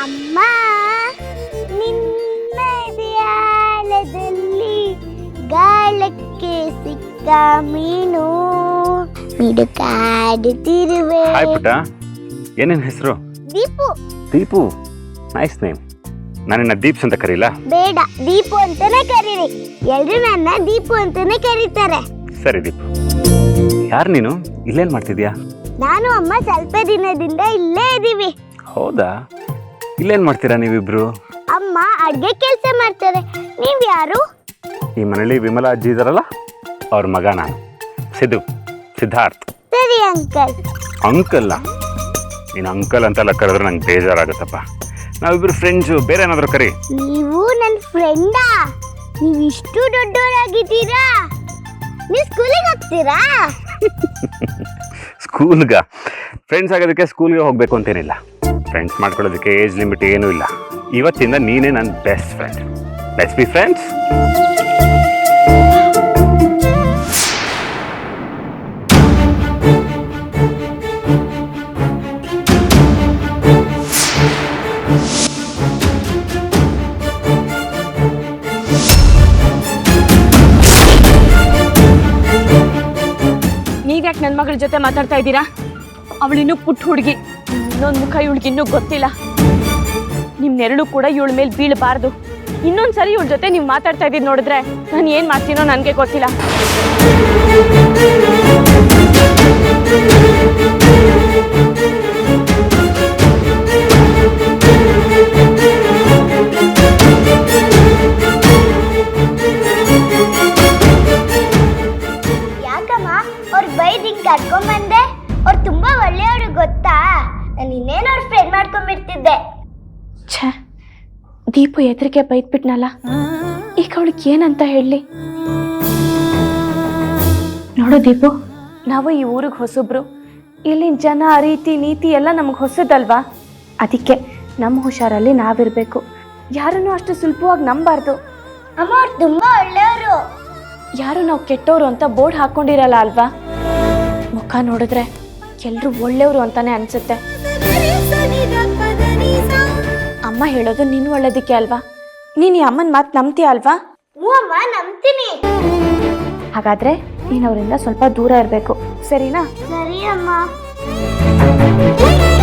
ಅಮ್ಮ ನಿನ್ನ ಧ್ಯಾನದಲ್ಲಿ ಗಾಳಕ್ಕೆ ಸಿಕ್ಕ ಮೀನು ಮಿಡುಕಾಡುತ್ತಿರುವೆ. ಹಾಯ್ ಪುಟ್ಟ, ಏನೇನ್ ಹೆಸರು? ದೀಪು. Deepu, nice name. ನಾನಿನ್ನ ದೀಪ್ಸ್ ಅಂತ ಕರೀಲಾ? ಬೇಡ, ದೀಪು ಅಂತಾನೆ ಕರೀರಿ. ಎಲ್ರು ನನ್ನ ದೀಪು ಅಂತಾನೆ ಕರೀತಾರೆ. ಸರಿ ದೀಪು. ಯಾರು ನೀನು? ಇಲ್ಲೇನ್ ಮಾಡ್ತಿದ್ಯಾ? ನಾನು ಅಮ್ಮ ಸ್ವಲ್ಪ ದಿನದಿಂದ ಇಲ್ಲೇ ಇದೀವಿ. ಹೌದಾ? ಇಲ್ಲೇನ್ ಮಾಡ್ತೀರಾ ನೀವಿಬ್ರು? ಅಮ್ಮ ಅಡ್ಗೆ ಕೆಲಸ ಮಾಡ್ತಾರೆ. ನೀವ್ ಯಾರು? ಈ ಮನೇಲಿ ವಿಮಲಾ ಅಜ್ಜಿ ಇದಾರಲ್ಲ, ಅವ್ರ ಮಗ ನಾನು, ಸಿದ್ಧಾರ್ಥ್. ಸರಿ ಅಂಕಲ್. ಅಂಕಲ್ಲ, ನೀನು ಅಂಕಲ್ ಅಂತೆಲ್ಲ ಕರೆದ್ರೆ ನಂಗೆ ಬೇಜಾರಾಗುತ್ತಪ್ಪ. ನಾವಿಬ್ರು ಫ್ರೆಂಡ್ಸು, ಬೇರೆ ಏನಾದ್ರು ಕರಿ. ನೀವು ನನ್ನ ಫ್ರೆಂಡಾ? ನೀವು ಇಷ್ಟು ದೊಡ್ಡವರಾಗಿದ್ದೀರಾ? ನೀವು ಸ್ಕೂಲಿಗೆ ಹೋಗ್ತೀರಾ? ಸ್ಕೂಲ್ಗ ಫ್ರೆಂಡ್ಸ್ ಆಗೋದಕ್ಕೆ ಸ್ಕೂಲ್ಗೆ ಹೋಗ್ಬೇಕು ಅಂತೇನಿಲ್ಲ. ಫ್ರೆಂಡ್ಸ್ ಮಾಡ್ಕೊಳ್ಳೋದಕ್ಕೆ ಏಜ್ ಲಿಮಿಟ್ ಏನೂ ಇಲ್ಲ. ಇವತ್ತಿಂದ ನೀನೇ ನನ್ನ best friend. Let's be friends. ನೀವ್ಯಾಕೆ ನನ್ನ ಮಗಳ ಜೊತೆ ಮಾತಾಡ್ತಾ ಇದ್ದೀರಾ? ಅವಳಿನ್ನೂ ಪುಟ್ಟ ಹುಡುಗಿ, ಇನ್ನೊಂದು ಮುಖ ಇವಳಿಗಿನ್ನೂ ಗೊತ್ತಿಲ್ಲ. ನಿಮ್ಮ ನೆರಳು ಕೂಡ ಇವಳ ಮೇಲೆ ಬೀಳಬಾರ್ದು. ಇನ್ನೊಂದ್ಸರಿ ಇವಳ ಜೊತೆ ನೀವು ಮಾತಾಡ್ತಾ ಇದ್ದೀರಿ ನೋಡಿದ್ರೆ ನಾನು ಏನು ಮಾಡ್ತೀನೋ ನನಗೆ ಗೊತ್ತಿಲ್ಲ. ಯಾಕಮ್ಮ ಅವ್ರ ಬೈದಿಂಗ್ ಕರ್ಕೊಂಬಂದೆ? ಅವ್ರು ತುಂಬಾ ಒಳ್ಳೆಯವರು ಗೊತ್ತಾ? ನಾನು ಇನ್ನೇನು ಅವ್ರ ಫ್ರೆಂಡ್ ಮಾಡ್ಕೊಂಡ್ಬಿಡ್ತಿದ್ದೆ. ಛೇ, ದೀಪು ಎದುರಿಗೆ ಬೈದ್ಬಿಟ್ನಲ್ಲ, ಈಗ ಅವಳಿಗೆ ಏನಂತ ಹೇಳಲಿ? ನೋಡು ದೀಪು, ನಾವು ಈ ಊರಿಗೆ ಹೊಸಬ್ರು. ಇಲ್ಲಿನ ಜನ, ರೀತಿ ನೀತಿ ಎಲ್ಲ ನಮಗೆ ಹೊಸದಲ್ವಾ? ಅದಕ್ಕೆ ನಮ್ಮ ಹುಷಾರಲ್ಲಿ ನಾವಿರಬೇಕು. ಯಾರನ್ನೂ ಅಷ್ಟು ಸುಲಭವಾಗಿ ನಂಬಾರ್ದು. ಅಮ್ಮ ಅವ್ರು ತುಂಬಾ ಒಳ್ಳೆಯವರು. ಯಾರು ನಾವು ಕೆಟ್ಟವರು ಅಂತ ಬೋರ್ಡ್ ಹಾಕೊಂಡಿರಲ್ಲ ಅಲ್ವಾ? ಮುಖ ನೋಡಿದ್ರೆ ಎಲ್ಲರೂ ಒಳ್ಳೆಯವರು ಅಂತಾನೆ ಅನ್ಸುತ್ತೆ. ಅಮ್ಮ ಹೇಳೋದು ನೀನು ಒಳ್ಳೇದಕ್ಕೆ ಅಲ್ವಾ? ನೀನು ಈ ಅಮ್ಮನ ಮಾತು ನಂಬ್ತೀಯ ಅಲ್ವಾ? ಹ್ಞೂ ಅಮ್ಮ, ನಂಬ್ತೀನಿ. ಹಾಗಾದ್ರೆ ನೀನು ಅವರಿಂದ ಸ್ವಲ್ಪ ದೂರ ಇರಬೇಕು, ಸರಿನಾ? ಸರಿ ಅಮ್ಮ.